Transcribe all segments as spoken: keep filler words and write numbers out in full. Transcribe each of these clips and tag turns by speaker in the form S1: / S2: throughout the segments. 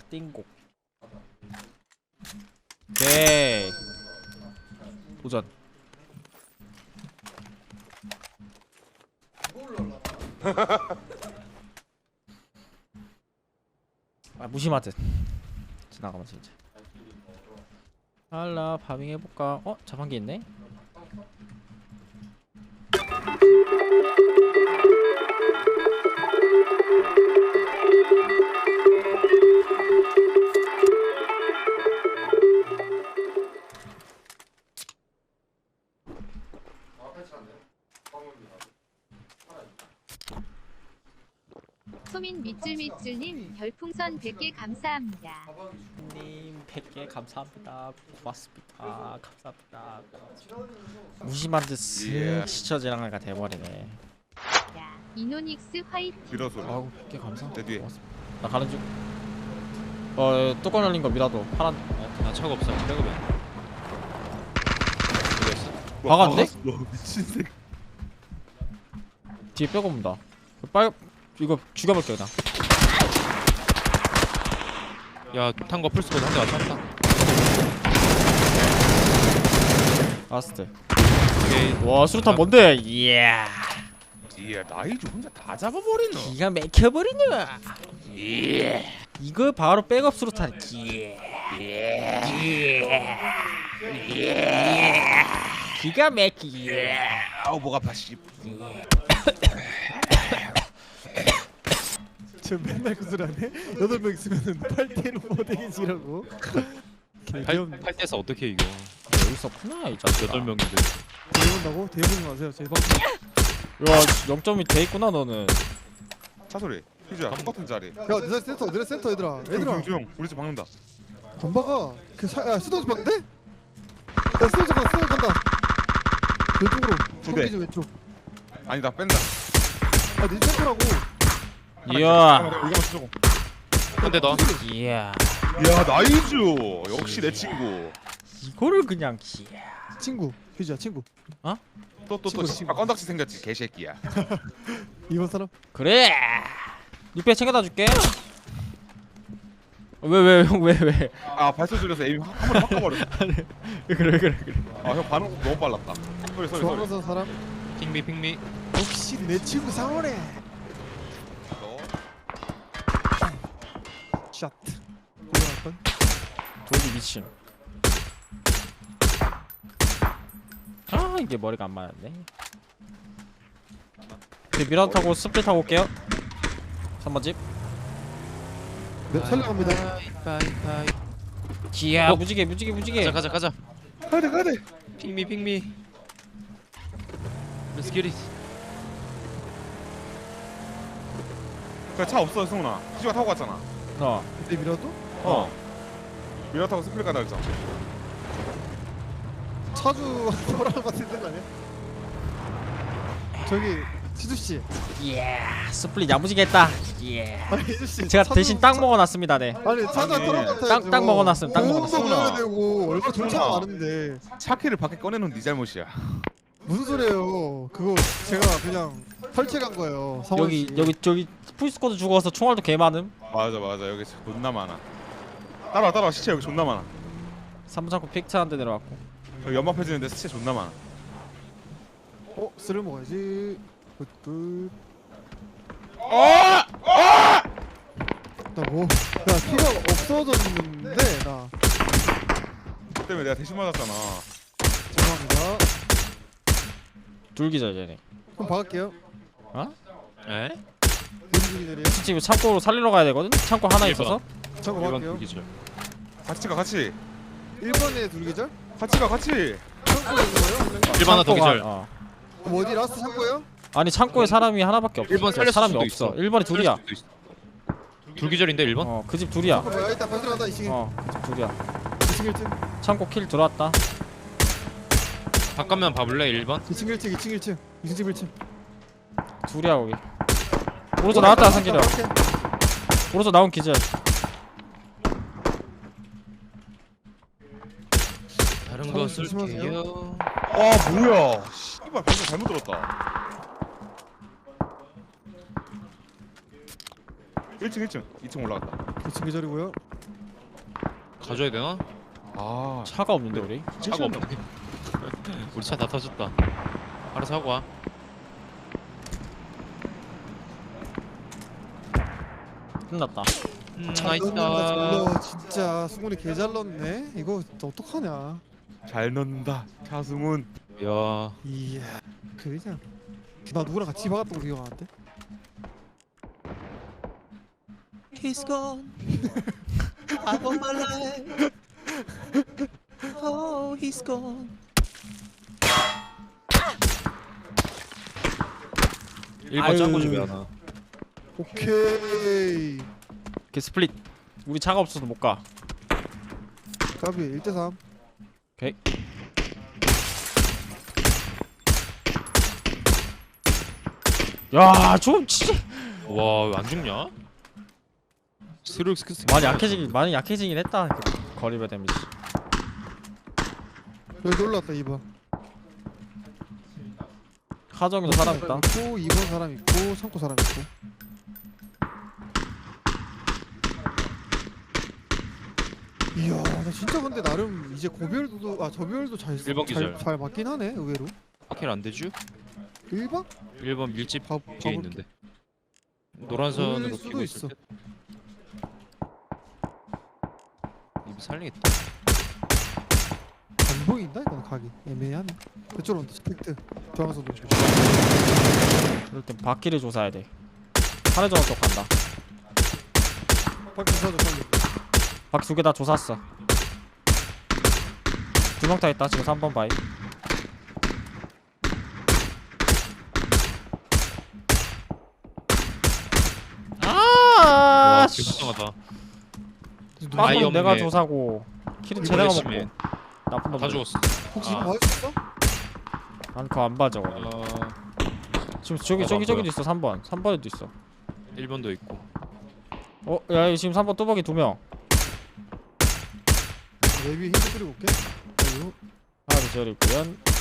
S1: 띵곡. 오케이. 도전. 아 무심하듯 지나가면서 이제 알라 파밍 해볼까? 어? 자판기 있네?
S2: 소민 밑줄밑줄님 별풍선 백 개 감사합니다.
S1: 님 백 개 감사합니다. 고맙습니다. 감사합니다. 무심한 듯 쓱 시처지랑이가 돼버리네.
S2: 야, 이노닉스 화이팅.
S3: 미라 소리.
S1: 아우 백 개 감사.
S3: 내 뒤에.
S1: 고맙습니다. 나 가는 중. 어 뚜껑 열린 거 미라도 파란.
S4: 어, 나 차가 없어. 백업에.
S1: 박았네?
S3: 너 미친 새끼.
S1: 뒤에 빼고 본다. 빨 이거 죽여볼게 그냥.
S4: 야, 탄거 풀스코드 한 대 맞췄다.
S1: 라스트.
S4: 오케이.
S1: 와 수류탄 뭔데? 이야.
S3: 이야 나이주 혼자 다 잡아버리노.
S1: 기가 막혀버리네. 예. 이거 바로 백업 수류탄. 예. 예. 예. 기가 막히. 예.
S3: 아우 목 아파 씨.
S5: 저 맨날 그 소리 하네? 여덟 명 있으면은 팔 대로 모델이지라고.
S4: 팔 대에서 어떻게 이겨?
S1: 여기 있었구나 이 자식아.
S4: 여덟 명인데.
S5: 대본다고? 대본이 마세요. 제 방송.
S1: 야 영 점이 돼있구나 너는.
S3: 차 소리. 휴지야 똑같은 자리.
S5: 야, 너네 센터, 너네 센터 얘들아. 얘들아.
S3: 조용 조용. 우리 집 박는다.
S5: 안 박아. 그 사, 야, 수도지 박는데? 야, 수도지 간다. 수도지 간다. 왼쪽으로.
S3: 두 대.
S5: 성기지 왼쪽.
S3: 아니 나 뺀다.
S5: 아, 네 센터라고.
S1: 이야.
S3: 이거만 쓰자고.
S4: 한 대 더.
S1: 이야.
S3: 야 나이주 역시 내 친구.
S1: 이거를 그냥 이야.
S5: 친구. 휴지야, 친구.
S3: 또또또
S5: 친구, 친구.
S3: 아 건덕지 생겼지 개새끼야.
S5: 이번 사람.
S1: 그래. 육배 챙겨다 줄게. 왜 왜 형 왜 왜?
S3: 아 발소 줄여서 에임 한 번에 바꿔버렸어.
S1: 그래 그래 그래.
S3: 아형 반응 너무 빨랐다. 소리 소리 소리.
S5: 좋아하는 사람.
S4: 핑미 핑미.
S5: 역시 내 친구 상호래.
S3: 너
S5: 샷. 돌아갈
S1: 돌기 미친. 아 이게 머리가 안 맞았네. 그 미라 타고 스플릿 타고 올게요. 삼 번 집.
S5: 네, 살려갑니다.
S4: 바이바이.
S1: 기야
S4: 어.
S1: 무지개 무지개 무지개.
S4: 가자 가자 가자.
S3: 가야돼 가야돼.
S4: 핑미 핑미. Let's get it.
S3: 그차 없어 승훈아. 휴지가 타고 갔잖아.
S1: 어.
S5: 내 미라도?
S3: 어. 미라 타고 스플릿 가다 했잖아.
S5: 차주 돌아갈 것 같은데 아니야? 저기 시주 씨.
S1: 이야 스플릿 야무지게 했다. 예.
S5: 아니 시주 씨.
S1: 제가
S5: 차주-
S1: 대신 땅
S5: 차-
S1: 먹어놨습니다. 네.
S5: 아니 차주
S3: 아니,
S5: 돌아갈 것
S1: 땅- 땅 먹어놨음, 땅
S5: 먹어놨음.
S3: 먹어놨음.
S5: 되고 얼마 존차가
S3: 어.
S5: 많은데
S3: 차키를 밖에 꺼내놓은 네 잘못이야.
S5: 무슨 소리예요? 그거 제가 그냥 설치한 거예요. 성원
S1: 여기
S5: 씨.
S1: 여기 저기 풀스쿼드 죽어서 총알도 개 많음.
S3: 맞아 맞아 여기 존나 많아. 따라와 따라와 시체 여기 존나 많아.
S1: 삼 분 잡고 픽트 한 대 내려왔고.
S3: 여기 연막 펴지는데 시체 존나 많아.
S5: 어 쓰를 먹어야지. 굿굿.
S3: 어! 어!
S5: 나뭐 야 피가 없어졌는데 나
S3: 그 때문에 내가 대신 맞았잖아.
S5: 죄송합니다.
S1: 둘기절 얘네.
S5: 그럼 박을게요.
S1: 어?
S4: 에?
S5: 무슨 일이래요?
S1: 지금 창고로 살리러 가야 되거든. 창고 하나
S4: 일
S1: 있어서.
S5: 잠깐
S4: 일반
S5: 박을게요.
S4: 두기절.
S3: 같이 가 같이.
S5: 일 번에 둘기절?
S3: 같이 가 같이.
S5: 창고에 있는 거예요?
S4: 일반 하나 더
S1: 창고가-
S4: 기절.
S1: 어.
S5: 그럼 어디 라스트 창고예요?
S1: 아니 창고에 사람이 하나밖에 없어.
S4: 일 번 살렸을
S1: 사람이
S4: 수도
S1: 없어.
S4: 있어.
S1: 일 번이 둘이야.
S4: 살릴 수도 있어. 둘기절인데 일 번?
S1: 어 그 집 둘이야.
S5: 어, 뭐야 일단 발전한다 이 층에.
S1: 어 그 집 둘이야.
S5: 이 층 일 층.
S1: 창고 킬 들어왔다.
S4: 바깥면 봐볼래 일 번?
S5: 이 층 일 층 이 층 일 층. 이 층 일 층.
S1: 둘이야 거기. 오른쪽 나왔다 상기려. 오른쪽 나온 기절.
S4: 다른
S5: 참,
S4: 거
S5: 조심하세요.
S4: 쓸게요.
S3: 와 뭐야. 씨발 방금 잘못 들었다. 일 층 일 층 이 층 올라갔다.
S5: 이 층 계절이고요.
S4: 가져야 되나?
S3: 아
S1: 차가 없는데 우리?
S4: 차가 없네. 우리 차 다 터졌다. 알아서 하고 와.
S1: 끝났다.
S4: 음,
S5: 잘 넣는다, 잘
S4: 나이스다.
S5: 넣어. 진짜 승훈이 개 잘 넣네. 이거 진짜 어떡하냐.
S3: 잘 넣는다 차승훈.
S4: 야,
S5: 이야 그냥 나 누구랑 같이 박았던 거 기억하는데?
S6: He's gone. I want my life. Oh, he's gone.
S4: 일 번
S1: 아유.
S4: 짱구 집에 하나.
S5: 오케이
S1: 그 스플릿. 우리 차가 없어서 못 가.
S5: 까비 일 대 삼.
S1: 오케이. 야, 좀 진짜
S4: 와, 왜 안 죽냐? 스르륵 스크
S1: 많이 약해지긴 많이 약해지긴 했다. 그 거리배 데미지.
S5: 여기 올라왔다 이 번.
S1: 하정이도 사람 있다.
S5: 있고 이 번 사람 있고 창고 사람 있고. 이야 나 진짜 근데 나름 이제 고별도 아 저별도 잘
S4: 일 번 기절.
S5: 잘, 잘 맞긴 하네 의외로.
S4: 파킬 안 되죠?
S5: 일 번?
S4: 일 번 밀집
S5: 봐,
S4: 뒤에
S5: 봐볼게.
S4: 있는데. 노란 선으로
S5: 보일 수도
S4: 끼고
S5: 있어.
S4: 있을 때. 입 살리겠다.
S5: 안 보인다 이건 각이 애매하네. 그쪽으로 온다 스펙트 중앙선도.
S1: 이럴 땐 바퀴를 조사해야 돼. 사례전 쪽 간다.
S5: 밖에 사줘 빨리.
S1: 바퀴 두 개 다 조사했어. 두 명 타 있다. 지금 삼 번 바이.
S4: 와,
S1: 아,
S4: 개불쌍하다.
S1: 빵은
S4: 아이언맨.
S1: 내가 조사고 킬은
S4: 이거
S1: 쟤네가
S4: 열심히
S1: 먹고. 나쁜 놈.
S4: 다 죽었어.
S5: 혹시
S4: 아.
S5: 이거 맞았어?
S1: 난 그거 안 봐 저거.
S4: 어,
S1: 지금 저기
S4: 어,
S1: 저기
S4: 안
S1: 저기도
S4: 보여.
S1: 있어. 삼 번. 삼 번에도 있어.
S4: 일 번도 있고.
S1: 어, 야, 지금 삼 번 뚜벅이 두 명.
S5: 내 위에 힌트 뿌리고 올게. 아이고.
S1: 하나 둘 있고요.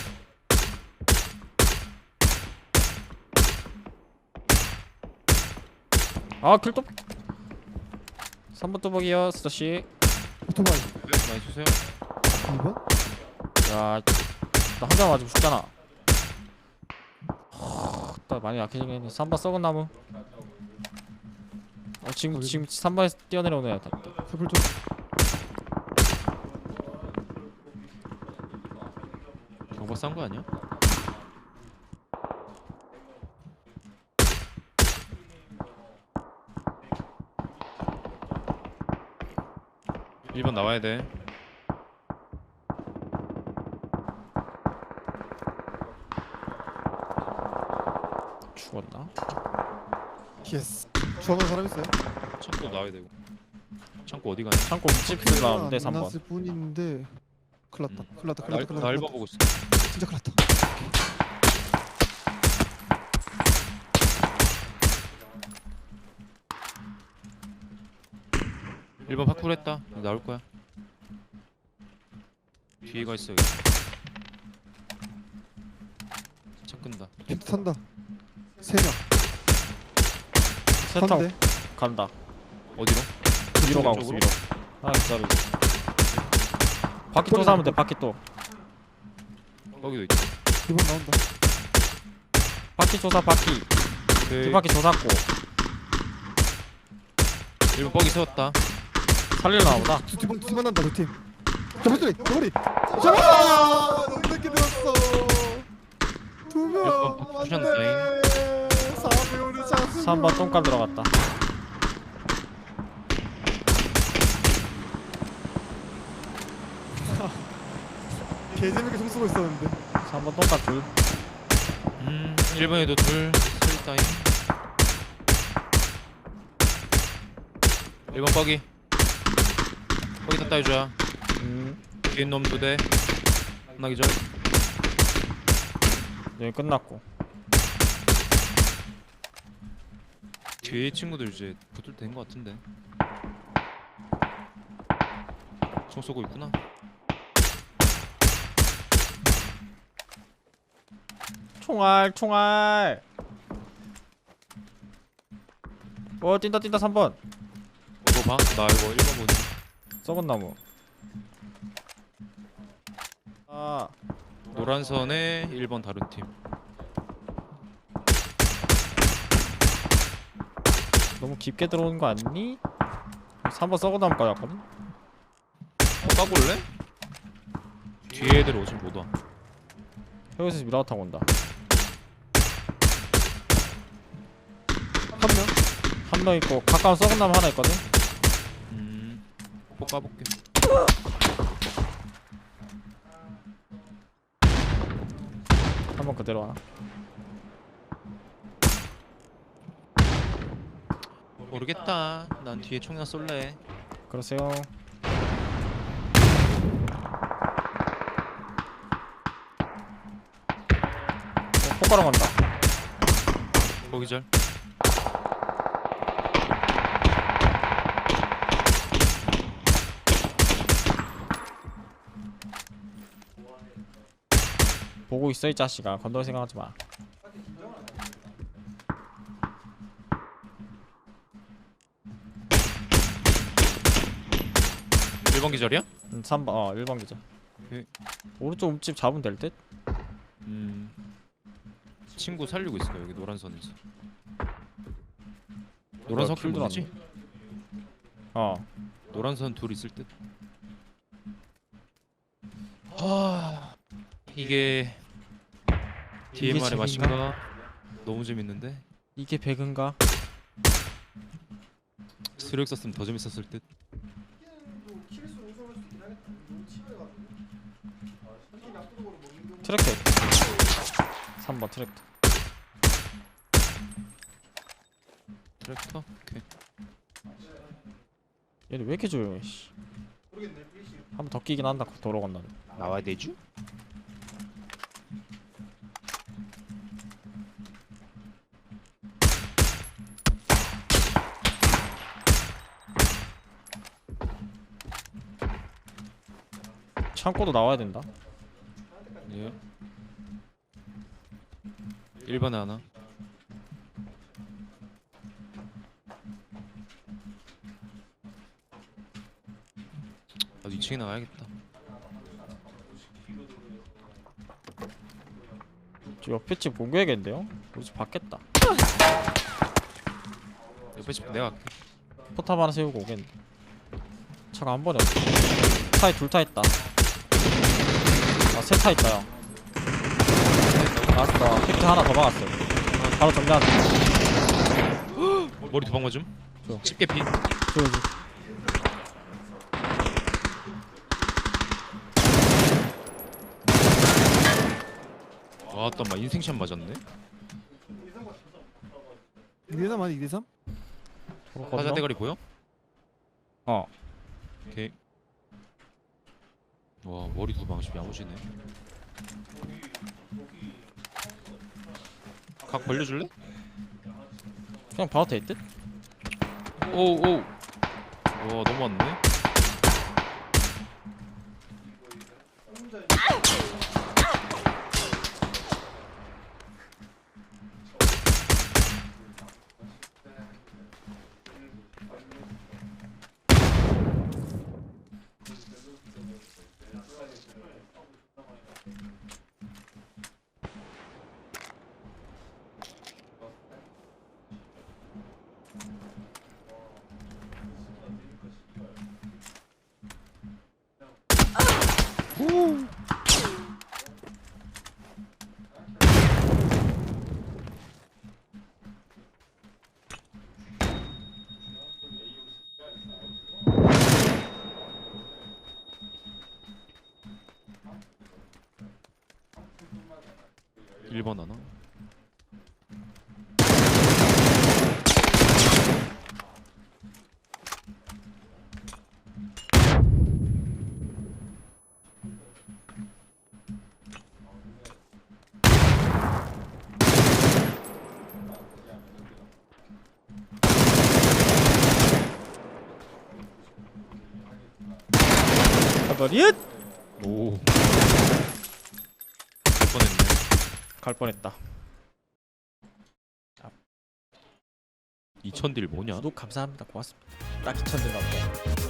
S1: 아, 킬톱. 삼 번 뚜벅이요, 스타씨.
S5: 오토바이
S4: 네, 많이 주세요.
S5: 이 번?
S1: 야, 나 한 장 맞으면 죽잖아. 하, 나 많이 약해지긴 했네. 삼 번 썩은 나무. 어, 지금 지금 삼 번에서 뛰어내려오네. 다- 다.
S5: 세불 좀.
S4: 경박 싼거 아니야? 일 번 나와야 돼.
S1: 죽었나?
S5: 예스. 좋아하는 사람 있어요?
S4: 창고 나와야 되고. 창고 어디 가냐?
S1: 창고 윗집 나오는데 삼 번.
S5: 났을 뿐인데. 큰일났다.
S4: 음.
S5: 큰일났다.
S4: 나,
S5: 큰일났다.
S4: 나
S5: 큰일났다.
S4: 일 번 보고 있어.
S5: 진짜 큰일났다.
S4: 일 번 파쿠르 했다. 나올 거야. 뒤에가 있어. 여기. 차 끈다.
S5: 힌트 탄다. 세 명.
S1: 세 타고
S5: 탄대.
S1: 간다.
S4: 어디로?
S1: 위로 가고 있어.
S4: 쪽으로?
S1: 위로. 하나 기다리고. 바퀴 또 사면 돼. 바퀴 또.
S4: 거기도 있다.
S5: 이 번 나온다.
S1: 바퀴 조사 바퀴.
S4: 오케이.
S1: 두 바퀴 조사고.
S4: 일 번 뻑이 세웠다.
S1: 살릴나 보다.
S5: 두 팀, 두팀 만난다. 두 팀. 저번 소리. 저머리. 잡아! 너무 늦게 들었어. 두 명.
S4: 몇 번 푸션
S5: 안돼. 사 배 오는 찬스.
S1: 삼 번 똥감 들어갔다.
S5: 개 재밌게 총 쏘고 있었는데.
S1: 삼 번 똥감 둘.
S4: 음, 일 번에도 둘. 스리타임. 일 번 뻑이. 뻑이 다 따여줘야.
S1: 음.
S4: 뒤에 놈 두 대. 끝나기 전.
S1: 여기 끝났고.
S4: 뒤에 친구들 이제 붙을 된 것 같은데. 총 쏘고 있구나.
S1: 총알 총알. 어 뛴다 뛴다 삼 번.
S4: 이거 봐. 나 이거 일 번 보니.
S1: 썩은 나무. 아
S4: 노란 선에 일 번 다른 팀.
S1: 너무 깊게 들어오는 거 아니니? 삼 번 썩어 담을 거였거든?
S4: 어, 까볼래? 뒤에 애들 오진 못 와.
S1: 여기서 미라가 타고 온다.
S5: 한 명.
S1: 한 명 있고 가까운 썩은 나무 하나 있거든?
S4: 음, 꼭 까볼게.
S1: 한 번 그대로 하나.
S4: 모르겠다. 난 뒤에 총이나 쏠래.
S1: 그러세요. 어, 폭가랑 간다.
S4: 거기 절.
S1: 보고 있어 이 자식아. 건들 생각하지 마.
S4: 일 번 기절이야?
S1: 음, 삼 번 어 일 번 기자.
S4: 오케이.
S1: 오른쪽 움집 잡으면 될 듯?
S4: 음. 친구 살리고 있어 여기 노란 선에서. 노란 선
S1: 킬
S4: 뭐지?
S1: 어.
S4: 노란 선 둘 있을 듯. 하... 이게
S1: 이게
S4: 디엠알의
S1: 재미인가?
S4: 맛인가? 너무 재밌는데?
S1: 이게 배그인가?
S4: 스력 썼으면 더 재밌었을 듯.
S1: 트랙터 삼 번 트랙터.
S4: 트랙터? 오케이.
S1: 얘는 왜 이렇게 조용해 씨. 한 번 더 끼긴 한다 도로 건너는.
S4: 나와야 되죠?
S1: 창고도 나와야 된다.
S4: 예. 일 번에 하나. 나도 이 층에 나가야겠다.
S1: 저 옆에 집 공개해야겠는데요? 우리 집 받겠다.
S4: 옆에 집 내가 갈게.
S1: 포탑 하나 세우고 오겠는데. 차가 한 번에 없어. 차에 둘 타 있다. 아, 세 타 있다, 형. 알았어. 팩트 하나 더 박았어. 바로 정리하자.
S4: 머리 두 방 맞음?
S1: 저.
S4: 집게 피.
S1: 조여지.
S4: 와, 땀마 인생샷 맞았네.
S5: 이 대 삼 아니 이 대 삼?
S4: 화자 대가리 보여?
S1: 어.
S4: 오케이. 와, 머리 두 방씩 야무지네. 각 벌려줄래?
S1: 그냥 봐도 될 듯?
S4: 오우 오우. 와, 너무 많네. 일 번 하나.
S1: 가버릿!
S4: 오. 갈 뻔했네.
S1: 갈 뻔했다.
S4: 이천 딜 뭐냐?
S1: 구독 감사합니다. 고맙습니다. 딱 이천 들 나온다.